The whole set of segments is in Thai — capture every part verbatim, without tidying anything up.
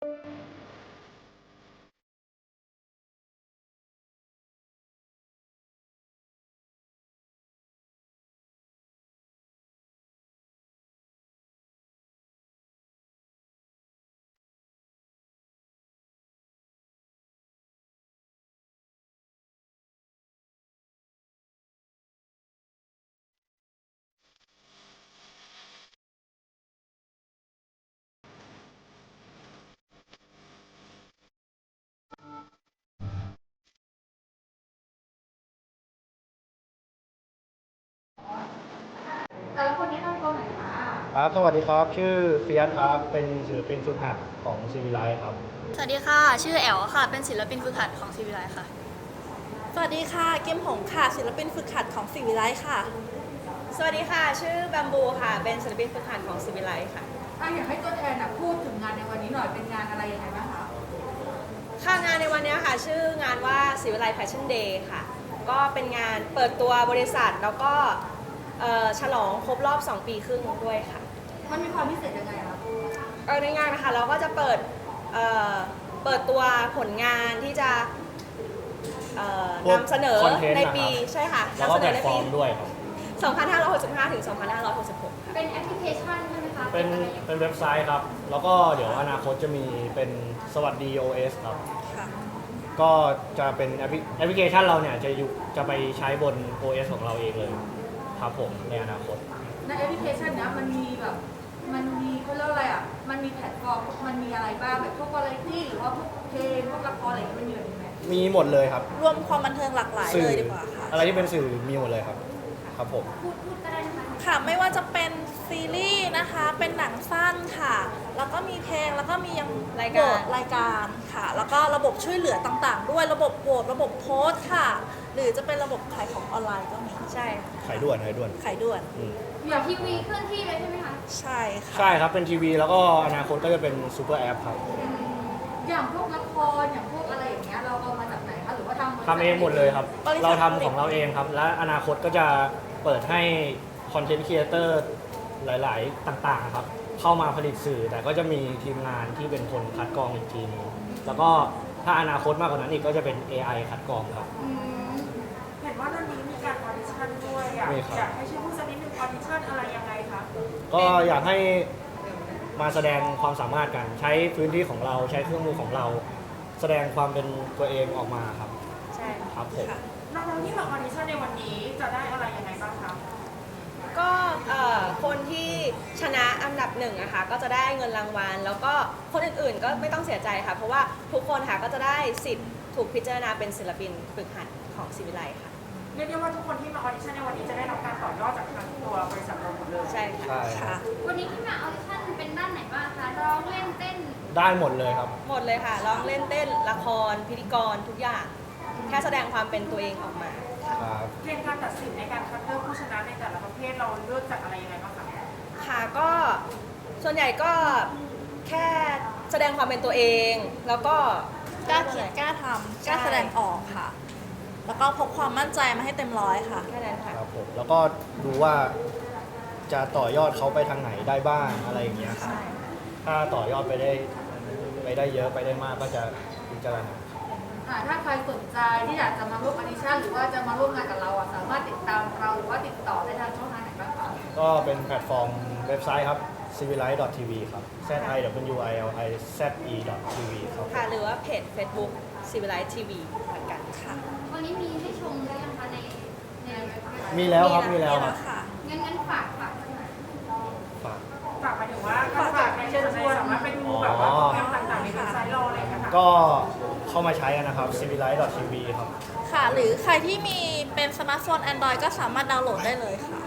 แล้วคนนี้ทำตัวไหนคะครับสวัสดีครับชื่อเฟียสครับเป็นศิลปินฝึกหัดของซีวิไลครับสวัสดีค่ะชื่อแอลค่ะเป็นศิลปินฝึกหัดของซีวิไลค่ะสวัสดีค่ะเกมหงค่ะศิลปินฝึกหัดของสิวิไลค่ะสวัสดีค่ะชื่อบัมบูค่ะเป็นศิลปินฝึกหัดของซีวิไลค่ะอ่ะอยากให้ตัวแทนอ่ะพูดถึงงานในวันนี้หน่อยเป็นงานอะไรยังไงบ้างคะค่ะงานในวันนี้ค่ะชื่องานว่าซีวิไลแฟชั่นเดย์ค่ะก็เป็นงานเปิดตัวบริษัทแล้วก็ฉลองครบรอบสองปีครึ่งด้วยค่ะมันมีความพิเศษยังไงคะเออในงานนะคะเราก็จะเปิดเอ่อเปิดตัวผลงานที่จะเอ่อนำเสนอในปีใช่ค่ะแล้วก็แพลตฟอร์มด้วยครับสองพันห้าร้อยหกสิบห้า ถึง สองพันห้าร้อยหกสิบหก ค่ะเป็นแอปพลิเคชันใช่ไหมคะเป็นเป็นเว็บไซต์ครับแล้วก็เดี๋ยวอนาคตจะมีเป็นสวัสดี โอ เอส ครับก็จะเป็นแอปพลิแอปพลิเคชันเราเนี่ยจะอยู่จะไปใช้บน โอ เอส ของเราเองเลยครับผมในอนาคตในแอปพลิเคชันเนี้ยมันมีแบบมันมีเขาเรียกอะไรอ่ะมันมีแพลตฟอร์มมันมีอะไรบ้างแบบพวกวาไรตี้หรือว่าพวกเพลงพวกละครอะไรอย่างเงี้ยมันมีแบบนี้ไหมมีหมดเลยครับรวมความบันเทิงหลากหลายเลยดีกว่าค่ะอะไรที่เป็นสื่อมีหมดเลยครับครับผมพูดพูดก็ได้นะคะค่ะไม่ว่าจะเป็นซีรีส์นะคะเป็นหนังสั้นค่ะแล้วก็มีเพลงแล้วก็มียังรายการรายการค่ะแล้วก็ระบบช่วยเหลือต่างๆด้วยระบบโหวตระบบโพสต์ค่ะหรือจะเป็นระบบขายของออนไลน์ก็มีใช่ขายด่วนขายด่วนขายด่วนอย่างทีวีเคลื่อนที่เลยใช่ไหมคะใช่ค่ะใช่ครับเป็นทีวีแล้วก็อนาคตก็จะเป็นซูเปอร์แอปครับอย่างพวกละครอย่างพวกอะไรอย่างเงี้ยเราเอามาจากไหนคะหรือว่าทำทำเองหมดเลยครับเราทำของเราเองครับและอนาคตก็จะเปิดให้คอนเทนต์ครีเอเตอร์หลายๆต่างๆครับเข้ามาผลิตสื่อแต่ก็จะมีทีมงานที่เป็นคนคัดกรองอีกทีนึงแล้วก็ถ้าอนาคตมากกว่านั้นอีกก็จะเป็น เอ ไอ คัดกรองครับเห็นว่าตอนนี้มีการออดิชั่นด้วยอยากอยากให้ช่วยพูดสักนิดนึงออดิชั่นอะไรยังไงคะก็อยากให้มาแสดงความสามารถกันใช้พื้นที่ของเราใช้เครื่องมือของเราแสดงความเป็นตัวเองออกมาครับใช่ครับผมน้องๆที่มาออดิชั่นในวันนี้จะได้อะไรยังไงบ้างคะก็คนที่ชนะอันดับหนึ่งนะคะก็จะได้เงินรางวัลแล้วก็คนอื่นๆก็ไม่ต้องเสียใจค่ะเพราะว่าทุกคนค่ะก็จะได้สิทธิ์ถูกพิจารณาเป็นศิลปินฝึกหัดของศิวิไลค่ะเรียกได้ว่าทุกคนที่มาออดิชั่นในวันนี้จะได้รับการต่อยอดจากทางตัวบริษัทเราหมดเลยใช่ค่ะวันนี้ที่มาออดิชั่นเป็นด้านไหนบ้างคะร้องเล่นเต้นได้หมดเลยครับหมดเลยค่ะร้องเล่นเต้นละครพิธีกรทุกอย่างแค่แสดงความเป็นตัวเองออกมาเกณฑ์การตัดสินในการคัดเลือกผู้ชนะในแต่ละประเภทเราเลือกจากอะไรยังไงบ้างคะค่ะก็ส่วนใหญ่ก็แค่แสดงความเป็นตัวเองแล้วก็กล้าคิดกล้าทำกล้าแสดงออกค่ะแล้วก็พกความมั่นใจมาให้เต็มร้อยค่ะแค่นั้นค่ะครับผมแล้วก็ดูว่าจะต่อยอดเขาไปทางไหนได้บ้างอะไรอย่างเงี้ยครับถ้าต่อยอดไปได้ไปได้เยอะไปได้มากก็จะพิจารณาถ้าใครสนใจที่อยากจะมาร่วมออดิชั่นหรือว่าจะมาร่วมงานกับเราสามารถติดตามเราหรือว่าติดต่อได้ทางช่องทางไหนบ้างคะก็เป็นแพลตฟอร์มเว็บไซต์ครับ ซีวิไลท์ ดอท ที วี ครับ แซด ไอ ดับเบิลยู ไอ แอล ไอ แซด อี ดอท ที วี ครับค่ะหรือว่าเพจ Facebook ซีวิไลท์ ที วี เหมือนกันค่ะวันนี้มีให้ชมหรือยังคะในในมีแล้วครับมีแล้วครับงั้นงั้นฝากฝากฝากฝากหมายถึงว่าฝากในเชิญชวนสามารถไปดูแบบว่าโปรแกรมต่างๆในเว็บไซต์เราอะไรอย่างเงี้ยค่ะก็เข้ามาใช้กันนะครับ ซีวิไลท์ ดอท ที วี ครับค่ะหรือใครที่มีเป็นสมาร์ทโฟน Android ก็สามารถดาวน์โหลดได้เลยค่ะ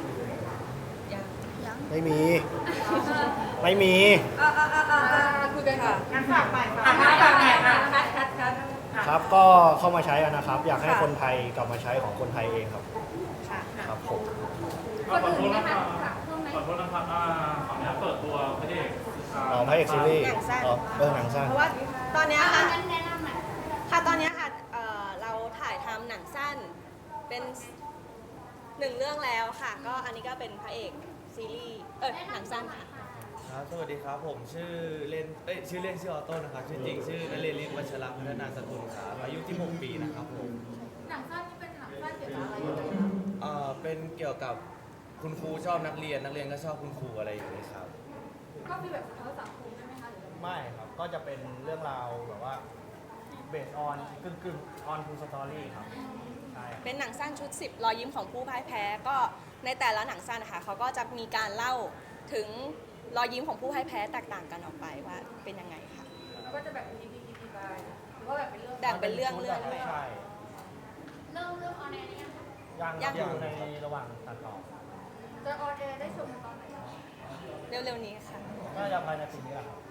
ไม่มีไม่มีคุยกันค่ะงั้นฝากใหม่ฝากใหม่ฝากใหม่คัดคัดคัดครับก็เข้ามาใช้กันนะครับอยากให้คนไทยกลับมาใช้ของคนไทยเองครับครับผมขอโทษนะครับขอโทษนะครับขออนุญาตเปิดตัวพระเอกอ๋อพระเอกซีรีส์อ๋อเออหนังสั้นเพราะว่าตอนนี้ค่ะค่ะตอนนี้ค่ะเราถ่ายทำหนังสั้นเป็นหนึ่งเรื่องแล้วค่ะก็อันนี้ก็เป็นพระเอกซีรีส์เออหนังสั้นค่ะครับสวัสดีครับผมชื่อเล่นเอ้ยชื่อเล่นชื่อออโต้นะครับชื่อจริงชื่อนเรนทร์ ฤทธิ์วัชระพัฒนาสกุลครับอายุที่หกปีนะครับผมหนังสั้นนี่เป็นหนังสั้นเกี่ยวกับอะไรยังไงคะเอ่อเป็นเกี่ยวกับคุณครูชอบนักเรียนนักเรียนก็ชอบคุณครูอะไรอย่างนี้ครับก็มีแบบสะท้อนสังคมใช่ไหมคะหรือยังไงไม่ครับ ก็จะเป็นเรื่องราวแบบว่าเบสออนกึ่งกึ่งออนทูสตอรี่ครับ ใช่ครับเป็นหนังสั้นชุด สิบ รอยยิ้มของผู้พ่ายแพ้ ก็ในแต่ละหนังสั้นนะคะเขาก็จะมีการเล่าถึงรอยยิ้มของผู้พ่ายแพ้แตกต่างกันออกไปว่าเป็นยังไงค่ะแล้วก็จะแบบมีพีพีไปหรือว่าแบบเป็นเรื่องแบ่งเป็นเรื่องเรื่องไปใช่เริ่มเริ่มออนแอร์นี่ยังยังยังอยู่ในระหว่างตัดต่อจะออนแอร์ได้ชมกันตอนไหนคะเร็วๆนี้ค่ะน่าจะภายในปีนี้แหละครับ